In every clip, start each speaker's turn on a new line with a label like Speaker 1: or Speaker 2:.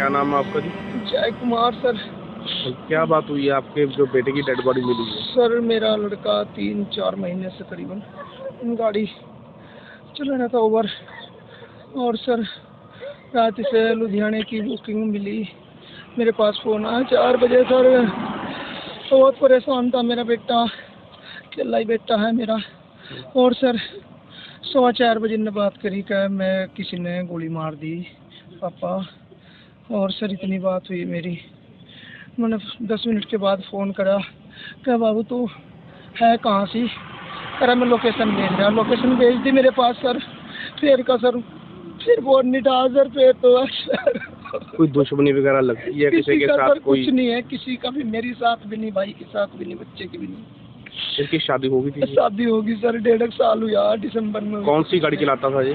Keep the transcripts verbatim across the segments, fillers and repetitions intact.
Speaker 1: क्या नाम है आपका जी?
Speaker 2: जय कुमार सर।
Speaker 1: क्या बात हुई है आपके जो बेटे की डेड बॉडी मिली है?
Speaker 2: सर मेरा लड़का तीन चार महीने से करीबन गाड़ी चला रहा था ओवर, और सर रात से लुधियाने की बुकिंग मिली, मेरे पास फ़ोन आया चार बजे। सर बहुत परेशान था मेरा बेटा, अकेला ही बेटा है मेरा। और सर सवा चार बजे ने बात करी कि मैं किसी ने गोली मार दी पापा। और सर इतनी बात हुई मेरी, मैंने दस मिनट के बाद फ़ोन करा क्या बाबू तू है कहाँ सी? करा मैं लोकेशन भेज रहा, लोकेशन भेज दी मेरे पास सर। फिर का सर फिर वो नहीं था सर, फिर तो सर
Speaker 1: कोई दुश्मनी वगैरह लगती है किसी के साथ?
Speaker 2: सर
Speaker 1: कोई
Speaker 2: कुछ नहीं है, किसी का भी, मेरी साथ भी नहीं, भाई के साथ भी नहीं, बच्चे की भी नहीं।
Speaker 1: इसकी शादी होगी थी?
Speaker 2: शादी होगी सर, डेढ़ साल हुआ दिसंबर में।
Speaker 1: कौन सी गाड़ी चलाता था ये?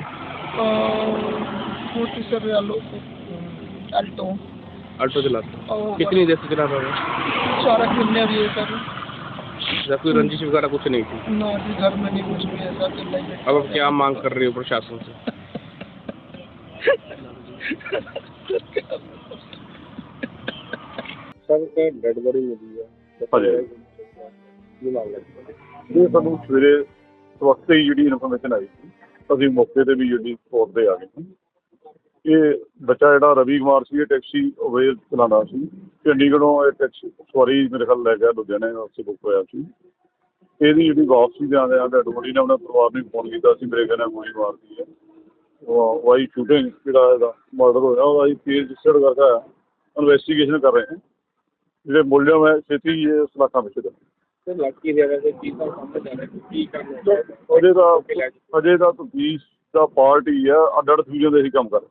Speaker 2: मोटी सर अल्टो
Speaker 1: अल्टो चलाता। कितनी देर से चलाता था?
Speaker 2: चार महीने भी है सर।
Speaker 1: जब कोई रंजिश वगैरह कुछ नहीं थी?
Speaker 2: ना जी, घर में नहीं कुछ भी ऐसा।
Speaker 1: अब आप क्या मांग कर रहे हो प्रशासन से? सर डेड बॉडी मिली है,
Speaker 3: ਇਹ ਸਾਨੂੰ ਸਵੇਰੇ ਸਵਖਤੇ ਹੀ ਜਿਹੜੀ ਇਨਫੋਰਮੇਸ਼ਨ ਆਈ ਸੀ, ਅਸੀਂ ਮੌਕੇ 'ਤੇ ਵੀ ਜਿਹੜੀ ਸਪੋਟ 'ਤੇ ਆ ਗਏ ਸੀ। ਇਹ ਬੱਚਾ ਜਿਹੜਾ ਰਵੀ ਕੁਮਾਰ ਸੀ, ਇਹ ਟੈਕਸੀ ਅਵੇਲ ਚਲਾਉਂਦਾ ਸੀ। ਚੰਡੀਗੜ੍ਹੋਂ ਇਹ ਟੈਕਸੀ ਸਵਾਰੀ ਮੇਰੇ ਖਿਆਲ ਲੈ ਗਿਆ ਲੁਧਿਆਣੇ ਵਾਸਤੇ ਬੁੱਕ ਹੋਇਆ ਸੀ। ਇਹਦੀ ਜਿਹੜੀ ਵਾਪਸੀ ਦੇ ਆਉਂਦੇ ਡੈਡ ਬੋਡੀ ਨੇ ਆਪਣੇ ਪਰਿਵਾਰ ਨੂੰ ਫੋਨ ਕੀਤਾ ਸੀ, ਮੇਰੇ ਕਹਿੰਦੇ ਗੋਲੀ ਮਾਰਦੀ ਹੈ। ਉਹ ਵਾਈ ਸ਼ੂਟਿੰਗ ਜਿਹੜਾ ਇਹਦਾ ਮਰਡਰ ਹੋਇਆ ਉਹਦਾ ਅਸੀਂ ਕੇਸ ਰਜਿਸਟਰਡ ਕਰਕੇ ਇਨਵੈਸਟੀਗੇਸ਼ਨ ਕਰ ਰਹੇ ਹਾਂ। ਜਿਹੜੇ ਮੁਲਜ਼ਮ ਹੈ ਛੇਤੀ ਇਹ ਸਲਾਖਾਂ ਵਿੱਚ ਦੇ
Speaker 1: ਲੜਕੀ ਦੇ ਵੈਸੇ ਕੀ ਤਾਂ ਸਮਝ ਆ ਰਿਹਾ ਕੀ ਕਰਨਾ
Speaker 3: ਅਜੇ ਤਾਂ ਅਜੇ ਤਾਂ ਤਫਤੀਸ਼ ਦਾ ਪਾਰਟ ਹੀ ਆ, ਅੱਡ ਅੱਡ ਫਿਊਜ਼ਨ ਦੇ ਹੀ ਕੰਮ ਕਰ